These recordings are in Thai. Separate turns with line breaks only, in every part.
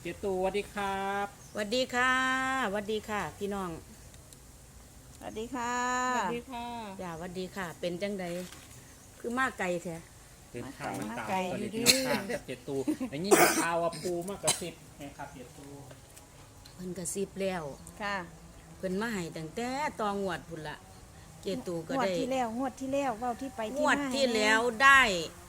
จตูสวัสดีครับ
สวัสดีค่ะสวัสดีค่ะพี่น้อง
สวัสดีค่ะ
สวัสดีค่ะ
อย่าสวัสดีค่ะ เป็นจังใดคือมาไกลแท้
เดินทางมาตาม
ไกล
สวัสดี
อยู่
พี่
ดิ
น้องข้างเจตูอย่างนี้ข่าวว่าปูมากระซิบนะครับเจตู
เพิ่นกระซิบแล้ว
ค่ะ
เพิ่นมาให้ตั้งแต่ตองวดพุ่นละเจตูก็
งวด
ได้
ที่แล้วเว้าที่ไป
ง
ที่
วด
มา
ที่แล้วได้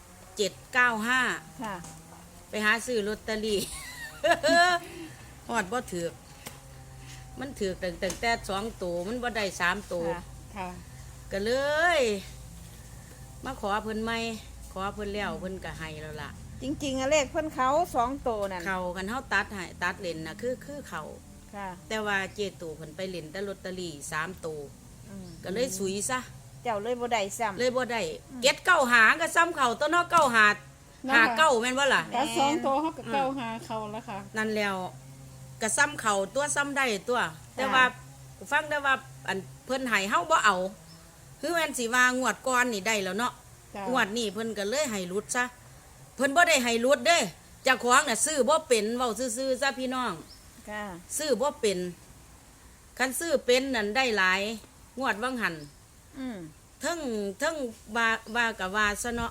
795
ค่ะ
ไปหาซื้อลอตเตอรี่ ฮอดบ่ถูกมันถูกตั้งแต่2ตัวมันบ่ได้3ตัว
ค่ะ
ค่ะ
ก็เลย มาขอเพิ่นใหม่ขอเพิ่นแล้วเพิ่นก็ให้แล้วล่ะ
จริงๆอะเลขเพิ่นเขา2โตวนั่น
เขากันเฮาตัดให้ตัดเลนน่ะคือเขา
ค่ะ
แต่ว่าเจตูเพิ่นไปเล่นแต่ลอตเตอรี่3ตัว
อืม
ก็เลยสุยซะ
เจ้าเลยบ่ได้ซ้ำ
เลยบ่ได้เก็ดเก้าหาก็ซ้ำเขาตัวเนาะเก้าหาหาเก้าแม่นบ่ล่ะ
แล้วสองตัวเขากับเก้าหาเขาแล้วค่ะ
นั่นแล้วก็ซ้ำเขาตัวซ้ำได้ตัว แต่ว่าฟังได้ว่าอันเพิ่นให้เฮาบ่เอาคือแม่นสิว่างวดก่อนนี่ได้แล้วเนาะ
จ้ะ
งวดนี้เพิ่นก็เลยให้หลุดซะเพิ่นบ่ได้ให้หลุดเด้เจ้าของน่ะซื้อบ่เป็นเว้าซื่อๆซะพี่น้อง
ค่ะ
ซื้อบ่เป็นคันซื้อเป็นนั่นได้หลายงวดวังหัน
อืม
ทั้งว่ากับว่าซะเนาะ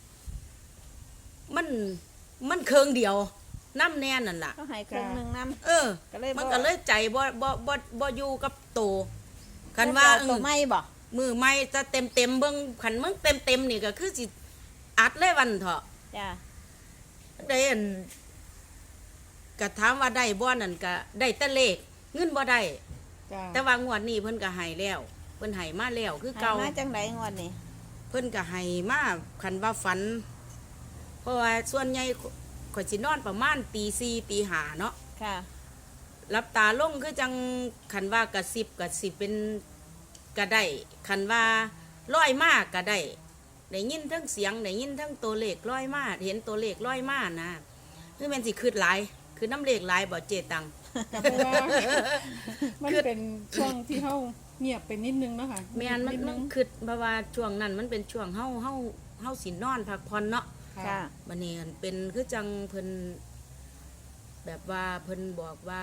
มันเคืองเดียวน้ำแน่นั่นล่ะ
เขาให้ครึ่งหนึงนำ
เออ
ก็เลยบ่
มันก็เลยใจบ่อยู่กับโตคันว่า
ตัวไม่บ่
มือไม่จะเต็มเบิ่งคันมึงเต็มนี่ก็คือสิอัดเลยวันเถาะ
จ้ะ
ได้อันก็ถามว่าได้บ่นั่นก็ได้แต่เลขเงินบ่ได้
จ้ะ
แต่ว่างวดนี้เพิ่นก็ให้แล้วเพิ่นให้มาแล้วคือ
ให้
เก่า
มาจังไดงวดนี้
เพิ่นก็ให้มาคันว่าฝัน เพราะว่าส่วนใหญ่ข่อยสินอนประมาณตี4ตี5เนาะ
ค่ะ
รับตาลงคือจังคันว่ากระสิบเป็นก็ได้คันว่าร้อยมากก็ได้ได้ยินทั้งเสียงได้ยินทั้งตัวเลขร้อยมาเห็นตัวเลขร้อยมานะคือแม่นสิคืดหลายคือน้ำเลขหลายบ่เจตัง
ก็เพราะว่ามันเป็นช่วงที่เขาเงียบไปนิดนึงเนาะค่ะ
แม่นมัน
ด
มันคืดเพราะว่าช่วงนั้นมันเป็นช่วงเฮาสินอนพักผ่อนเนาะ
ค่ะ
บัดนี้อันเป็นคือจังเพิ่นแบบว่าเพิ่นบอกว่า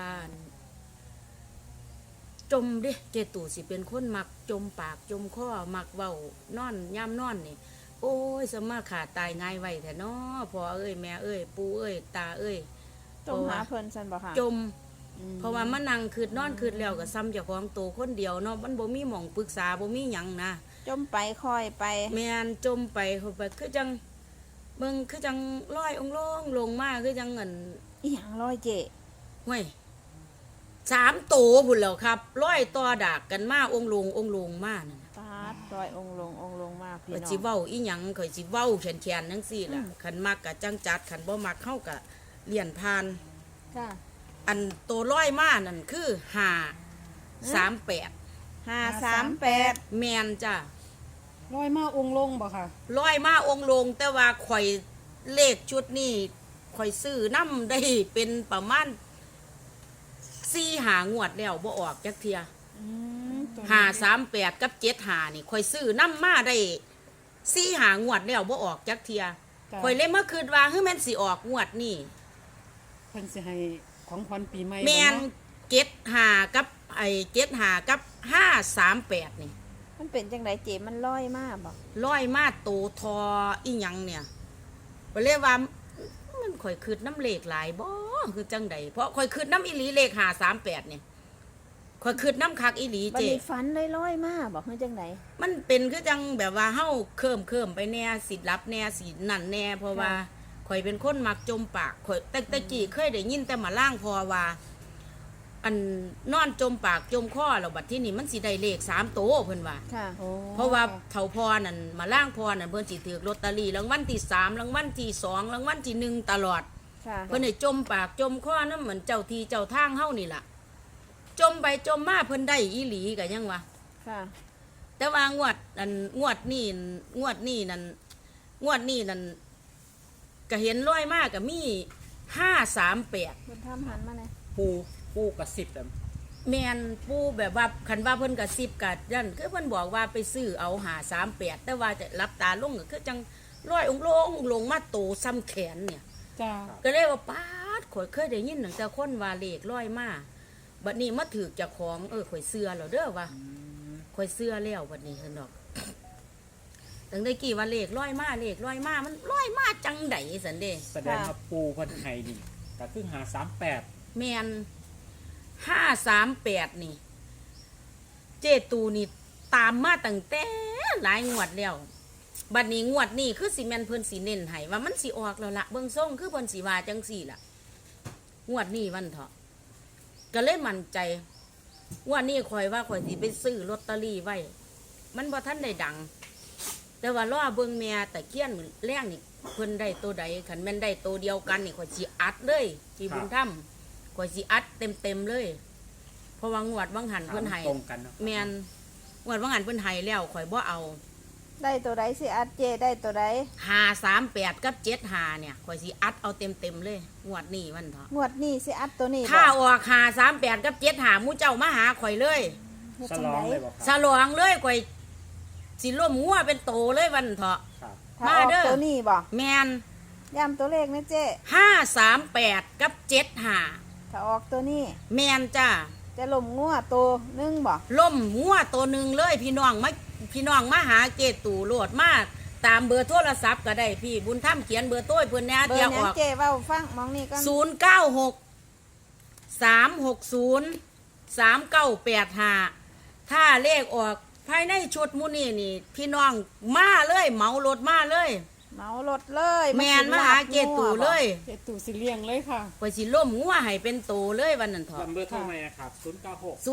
จมเด้เจตู่สิเป็นคนมักจมปากจมคอมักเว้านอนย่ำนอนนี่ โอ้ยสมาขาตายง่ายไว้แท้เนาะพ่อเอ้ยแม่เอ้ยปู่เอ้ยตาเอ้ย
ต้องหาเพิ่นซั่นบ่ค่ะ
จม เพราะว่ามันนั่งคืดนอนคืดแล้วก็ซ้ำเจ้าของโตวคนเดียวเนาะมันบ่มีหม่องปรึกษาบ่มีหยังนะ
จมไปค่อยไป
แม่นจมไปเข้าไปคือจังเบิ่งคือจังลอยองค์ลงมาคือจังเงิน
อีหยังร้อยเจ
ห้วย3ตัวพุ่นแล้วครับร้อยต่อดากกันมาองค์ลงมานั่นน่ะ
ปาดร้อยองค์ลงมาพี่
ข่อย
น้อ
สิ
ง
เว้าอีหยังข่อยสิเว้าแขนๆจังซี่ล่ะคันมักก็จังจัดคันบ่มักเฮาก็เลี่ยนผ่าน
ค่ะ
อันตัวร้อยมานั่นคือ538
538
แม่นจ้ะ
ร้อยมาองค์ลงบ่ค่ะ
ร้อยมาองค์ลงแต่ว่าข่อยเลขชุดนี้ข่อยซื้อน้ำได้เป็นประมาณ4 5 งวดแล้วบ่ออกจักเทีย
อืม
538กับ75นี่ข่อยซื้อน้ำมาได้4 5 งวดแล้วบ่ออกจักเทีย
จ้ะ
ข่อยเลยมาคิดว่าเฮ้ยแม่นสิออกงวดนี้
เพิ่นสิให้ของขวัญปีใหม่
แม่น
บ่เนาะ
75กับ75กับ538นี่
มันเป็นจังไดเจมันร้อยมาบ่
ร้อยมาโตทออีหยังเนี่ยไปเลยว่ามันข่อยคืดน้ำเลขหลายบ่คือจังใดเพราะข่อยคืดน้ำอีหลีเลข538เนี่ยข่อยคืดน้ำคักอีหลี
บัด
เจ
นี้ฝันได้ร้อยมาบ่คือจังได
มันเป็นคือจังแบบว่าเฮาเคิมไปแน่สิรับแน่สินั่นแน่เพราะว่าข่อยเป็นคนมักจมปากข่อยแต่กี้เคยได้ยินแต่มาล่างพอว่า อันนอนจมปากจมคอแล้วบัดที่นี่มันสิได้เลข3 โตวเพิ่นว่า
ค่ะ
โอ้
เพราะว่าเถาพอนั่นมาล่างพอนั่นเพิ่นสิถือลอตเตอรี่รางวัลที่3รางวัลที่2รางวัลที่1ตลอด
ค่ะ
เพิ่นให้จมปากจมคอนั่นเหมือนเจ้าที่เจ้าทางเฮานี่ล่ะ จมไปจมมาเพิ่นได้อีหลีก็ยังวะ
ค่ะ
แต่ว่างวดนี้นั่นก็เห็นร้อยมากก็มี538
เพิ่นทำหันมาเลย
ปูกระซิบแต่
แมนปูแบบว่าคันว่าเพิ่นกระซิบกัดยันคือเพิ่นบอกว่าไปซื้อเอา538แต่ว่าจะรับตาลงก็คือจังร้อยองค์ลงมาโตซ้ำแขนเนี่ย
จ้ะ
ก็เลยว่าปาดข่อยเคยได้ยินตั้งแต่คนว่าเลขร้อยมาบัดนี้มาถือเจ้าของข่อยเชื่อแล้วเด้อว่า
อืม
ข่อยเชื่อแล้วบัดนี้ซั่นดอกตั้งแต่กี้ว่าเลขร้อยมาเลขร้อยมามันร้อยมาจังไดซั่นเด้
แสดงว่าปูเพิ่นให้นี่ก็คือ538
แม่น538นี่ เจตูนี่ตามมาตั้งแต่หลายงวดแล้วบัดนี้งวดนี้คือสิแม่นเพิ่นสิเน้นให้ว่ามันสิออกแล้วล่ะเบิ่งทรงคือเพิ่นสิว่าจังซี่ล่ะงวดนี้วันเถาะก็เลยมั่นใจงวดนี้ข่อยว่าข่อยสิไปซื้อลอตเตอรี่ไว้มันบ่ทันได้ดัง แต่ว่ารอเบิ่งแม่ตะเคียนแรงนี่เพิ่นได้ตัวใดคันแม่นได้ตัวเดียวกันนี่ข่อยสิอัดเลยที่บุญธรรมข่อยสิอัดเต็มๆเลยเพราะว่างวดบางหันเพิ่นให้
ตรงกันเนาะ
แม่นงวดบางหันเพิ่นให้แล้วข่อยบ่เอา
ได้ตัวใดสิอัดเจได้ตัวใด
538กับ75เนี่ยข่อยสิอัดเอาเต็มๆเลยงวดนี้วันเถาะ
งวดนี้สิอัดตัวนี้
ถ้าออก538กับ75หมู่เจ้ามาหาข่อยเลย
เฮ็ด
ฉ
จัง
ลอ
ได
งเลยบ่ค
ส
รับ
ลองเลยข่อยสิล่มงัวเป็นโตเลยวันเถาะ
ครับ
ถ้าออก
มาเด้อ
ตัวนี้บ่
แม่น
ย้ำตัวเลขนะเจ
538กับ75
ถ้าออกตัวนี้
แม่นจ้า
จะล่มงัวตัวหนึงบ่
ล่มงัวตัวหนึ่งเลยพี่น้องมาหาเกตู่โหลดมาตามเบอร์โทรศัพท์ก็ได้พี่บุญธรรมเขียนเบอร์โต้ยเพิ่นแหน่
เบอ
เดี๋ยว
ร์ห
อ
ยัง
อก
เจเว้าฟังมองนี่ก่อน
096 360 3985ถ้าเลขออกภายในชุดหมูนี่นี่พี่น้องมาเลยเหมารถมาเลย
เหมารถเลย
แมนมาหาเกตู่เลย
เจตูสิเลี้ยงเลยค่ะ
ข่อยสิล่มงัวให้เป็นโตเลยวันนั้นเถอะ
ลำเบอร์โทรมาครับ096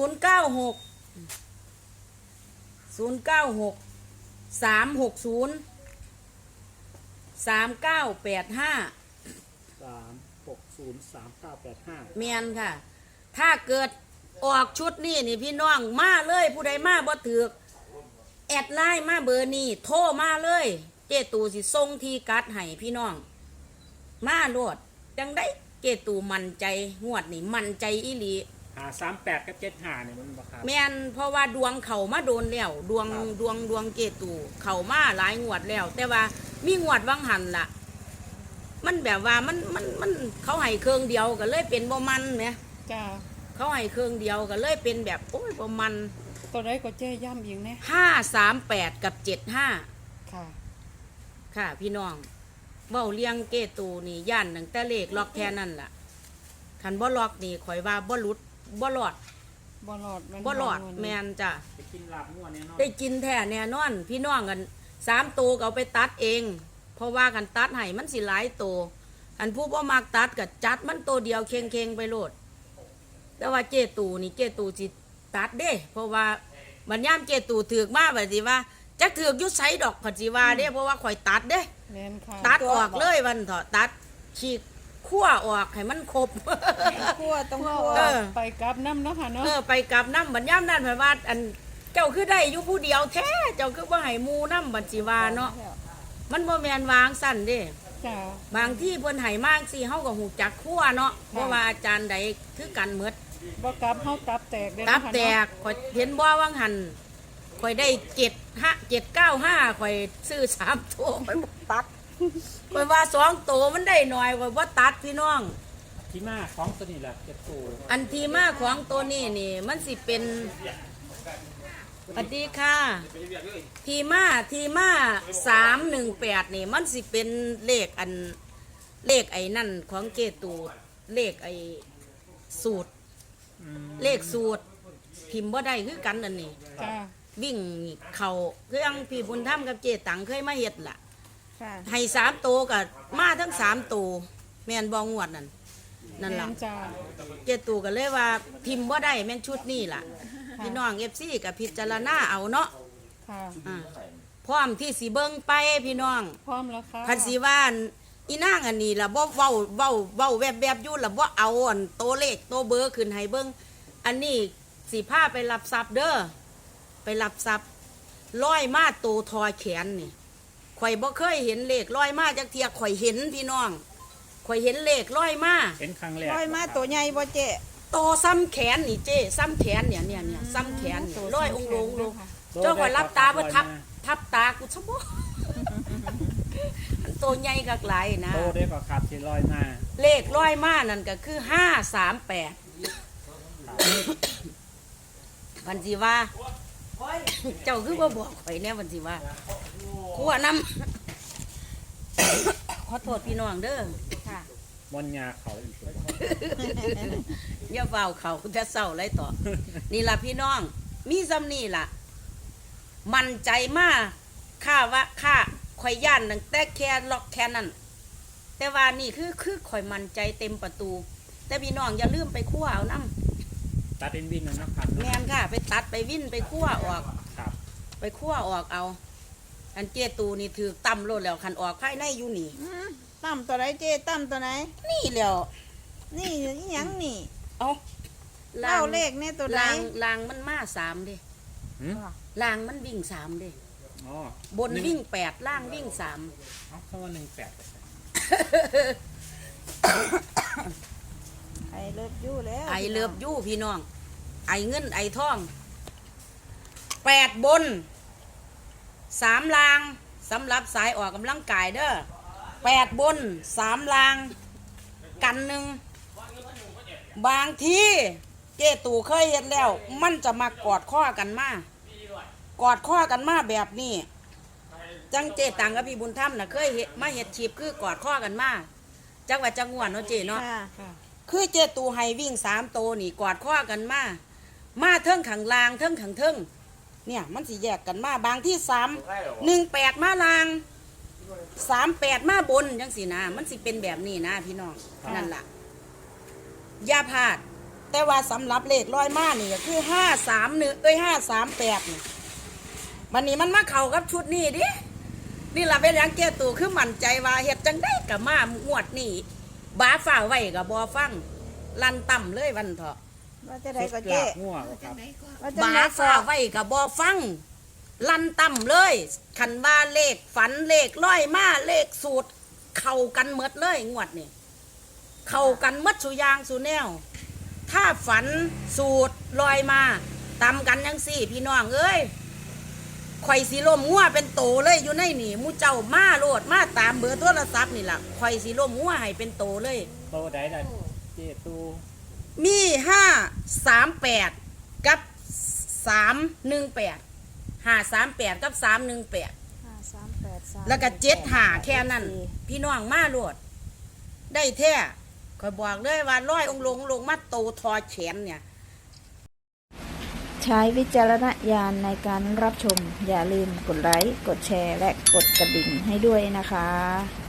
096 360 3985
3603985
เมียนค่ะ ถ้าเกิดออกชุดนี่นี่พี่น้องมาเลยผู้ใดมาบ่ถือกแอดไลน์มาเบอร์นี้โทรมาเลย เจตูสิส่งทีกัดให้พี่น้อง มาโลดจังได้เจตูมั่นใจงวดนี่มั่นใจอีหลี
538กับ75เนี่ยมันบ่ครับ
แม่นเพราะว่าดวงเขามาโดนแล้วดวง
ครับ
ดวงเจตูเขามาหลายงวดแล้ว แต่ว่ามีงวดวังหันล่ะ มันแบบว่ามันเขาให้เครื่องเดียวก็เลยเป็นบ่มันแหม
จ้า
เขาให้เครื่องเดียวก็เลยเป็นแบบโอ้ยประมาณ
ตัวใดก็เจย่ำอีกแน่
538กับ75
ค่ะ
ค่ะพี่น้องเว้าเลี้ยงเกตูนี่ย่านตั้งแต่เลขล็อกแค่นั้นล่ะคันบ่ล็อกนี่ข่อยว่าบ่หลุดบ่รอด
บ่หลอดมัน
บ่รอด
บ่
แม่นจ้ะ
ไปกินลาบงัวแน่นอน
ได้กินแท้แน่นอน พี่น้องกัน3ตัวก็เอาไปตัดเอง เพราะว่ากันตัดให้มันสิหลายตัวอันผู้บ่มักตัดก็จัดมันตัวเดียวเค็งๆไปโลด แต่ว่าเจตูนี่เจตูสิตัดเด้ เพราะว่าบัดยามเจตูถือกมาบัดสิว่าจักถือกอยู่ไสดอกผัดสิว่าเด้เพราะว่าข่อยตัดเด้
แม่นค่ะ
ตัดออกเลยวันเถอะตัดฉีกขั้วออกให้มันครบ
คั่วต้องคั่ว
เออ
ไปกลับน้ำเนาะค่ะเนาะ
ไปกับน้ำบัดย่ำนั่นเพราะว่าอันเจ้าคือได้อยู่ผู้เดียวแท้เจ้าคือว่าให้หมูน้ำบัดสิว่าเนาะมันบ่แม่นวางสั่นเด้
จ้า
บางที่เพิ่นให้มากสิเฮาก็หูจักขั้วเนาะเพราะว่าอาจารย์ใดคือกันหมด
บ่กลับเฮาตับแตกเด้อ
ตับ
เนาะค่ะ
แต
เนาะ
กข่อยเห็นบ่ว่างหันข่อยได้795ข่อยซื้อ3ตัวข่อยบ่ตัดข่อยว่า2ตัวมันได้หน่อยข่อยบ่ตัดพี่น้อง
ที่มาของตัวนี้แหละเจ็ดตัว
อันที่มาของตัวนี้นี่มันสิเป็นสวัสดีค่ะ ทีมา318นี่มันสิเป็นเลขอันเลขไอ้นั่นของเกตูเลขไอ้สูตร เลขสูตรพิมพ์บ่ได้คือกันอันนี้
จ้า
วิ่งเขาเครื่องพี่บุญธรรมกับเจตังเคยมาเฮ็ดล่ะ
ค่ะ
ให้3ตัวกับมาทั้ง3ตัวแม่นบ่งวดนั่นนั่นล่ะ
แม่จ้า
เจตูก็เลยว่าพิมพ์บ่ได้แม่นชุดนี้ล่ะ
ค่ะ
พี่น้องFCกับพิจารณาเอาเนาะ
ค่ะ
อ่าพร้อมที่สิเบิ่งไปพี่น้อง
พร้อมแล้วค่ะ
คันสิว่าอีนางอันนี้ล่ะบ่เว้าแวบๆอยู่ล่ะบ่เอาอันโตวเลขโตวเบอร์ขึ้นให้เบิ่งอันนี้สิพาไปรับทรัพย์เด้อไปรับทรัพย์ร้อยมาโตทอแขนนี่ข่อยบ่เคยเห็นเลขร้อยมาจักเที่ยข่อยเห็นพี่น้องข่อยเห็นเลขร้อยมา
เป็นครั้งแรก
ร้อยมาตัวใหญ่บ่เจ
โตซ้ำแขนนี่เจ้ซ้ำแขนเนี่ยซ้ำแขนนี่ร้อยองค์ลงเจ้าข่อยรับตาบ่ทับตากูซะบ่ตัวใหญ่กักหลายนะ
โตได้ก็ครับที่ลอยมา
เลขร้อยมานั่นก็คือ538วันสิว่า เจ้าคือว่าบอกข่อยแน่วันสิว่าขัวน้ำ ขอโทษพี่น้องเด้อ
ค่ะ
มอนยาเขาอีกตัว
อย่าเฝ้าเขาจะเศร้าไรต่อ นี่ล่ะพี่น้อง มีซ้ำนี่ล่ะ มั่นใจมากข้าว่าข้าข่อยย่านตั้งแต่แค่ล็อกแค่นั้น แต่ว่านี่คือข่อยมั่นใจเต็มประตู แต่พี่น้องอย่าลืมไปคั่วเอาน้
ตัดเป็นวินนะครับ
ำแมนค่ะ ไปตัดไปวิ่นไปคั่วออก
ครับ
ไปคั่วออกเอา อันเจตูนี่ถือต่ำโลดแล้วคันออกภายในอยู่นี่
ตั้มตัวไหนเจ๊ตั้มตัวไหน
นี่แล้ว
นี่อีหยังนี่
เอา
เล่าเลขเนี่ยตัวไหน
ลางมันมา3เด้
หืม
ลางมันวิ่ง3เด้
อ๋อบ
นวิ่ง8ล่างวิ่ง3
เอาเข้ามา18
ไอเลิฟยูแล้ว
ไอเลิฟยู่พี่น้อง ไอเงินไอทอง8บน3ลางสำหรับสายออกกำลังกายเด้อ8บน3ลางกันหนึ่งบางทีเจตู่เคยเห็นแล้ว มันจะมากอดข้อกันมากอดข้อกันมาแบบนี้จังเจตังกับพี่บุญธรรมน่ะเคยเห็นมาเห็ดชีพคือกอดข้อกันมาจังหวัดจังหวัดเนาะเจเนาะ
ค่ะ
คือเจตูให้วิ่ง3 โตวนี่กอดข้อกันมาเทิงขังลางเทิงขังเทิงเนี่ยมันสิแยกกันมาบางที่1 8มาลาง38มาบนจังสินะมันสิเป็นแบบนี้นะพี่น้องนั่นล่ะอย่าพลาด แต่ว่าสำหรับเลขร้อยมานี่ก็คือ531538นี่วันนี้มันมาเข้ากับชุดนี้ดินี่ล่ะเป็นอย่างเจตูคือมั่นใจว่าเฮ็ดจังได้กับมางวดนี้บ้าฝ่าไว้กับบอฟังลันต่ำเลยวันเถาะ
ว่าจะได้ก็
ห
เจ๊
ลากงัวครับ
ว่าจะ
บ้า
ได้ก็
ฝ่าไว้กับบอฟัง ลันต่ำเลยคันว่าเลขฝันเลขร้อยมาเลขสูตร เข้ากันหมดเลยงวดนี่เข้ากันหมดสุอยางสุแนว ถ้าฝันสูตรลอยมาตำกันยังสี่พี่น้องเอ้ยข่อยสีลมงัวเป็นโตเลยอยู่ในนี่หมูเจ้ามาโลดมาตามเบอร์โทรศัพท์นี่ล่ะข่อยสีลมงัวให้เป็นโตเลย
โตได้ได้เจตู
มี538กับ318 538กับ318
538
แล้วก็75แค่นั้น พี่น้องมาโลดได้แท้ข่อยบอกเลยว่าร้อยองค์ลงมาโตทอแขนเนี่ย
ใช้วิจารณญาณในการรับชม อย่าลืมกดไลค์ กดแชร์ และกดกระดิ่งให้ด้วยนะคะ